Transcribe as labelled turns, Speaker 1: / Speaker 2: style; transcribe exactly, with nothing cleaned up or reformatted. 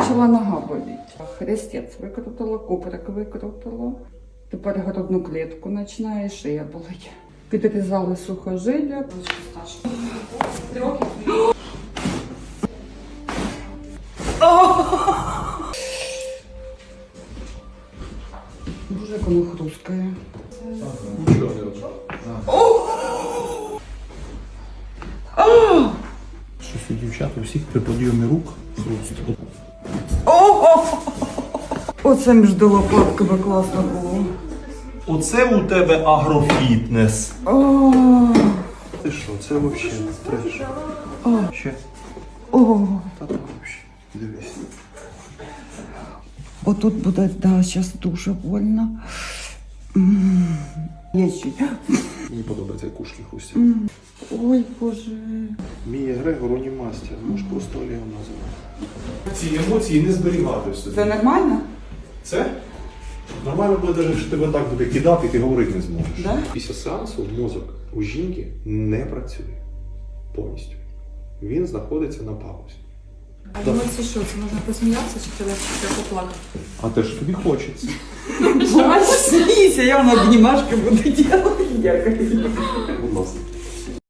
Speaker 1: почала нога боліти. Хрестець викрутила, куприк викрутила. Тепер грудну клітку починає, шия болить. Підрізали сухожилля. Боже, як воно хрускає.
Speaker 2: Нічого не робиш.
Speaker 3: Щось у дівчат у всіх при підйомі рук просто.
Speaker 1: Оце між лопатками класно було.
Speaker 3: Оце у тебе агрофітнес.
Speaker 1: О,
Speaker 3: Ти що, це взагалі треш. Ще.
Speaker 1: о.
Speaker 3: Та так взагалі. Дивись.
Speaker 1: Отут буде, да, зараз дуже больно. М, Є ще.
Speaker 3: Мені подобається як кушки хрустять.
Speaker 1: М, Ой, Боже.
Speaker 3: Мія Грегор унімастер. Можеш просто Олегом називати. Ці емоції не зберігати в собі.
Speaker 1: Це нормально?
Speaker 3: Це? Нормально буде, навіть, що тебе так буде кидати, і ти говорити не зможеш.
Speaker 1: Да?
Speaker 3: Після сеансу мозок у жінки не працює повністю. Він знаходиться на паузі.
Speaker 4: А емоції що? Це можна посміятися чи тебе ще поплакати?
Speaker 3: А те ж тобі хочеться.
Speaker 1: Плачь, смійся, я вам обнімашки буду робити. Дякую.
Speaker 3: Будь ласка.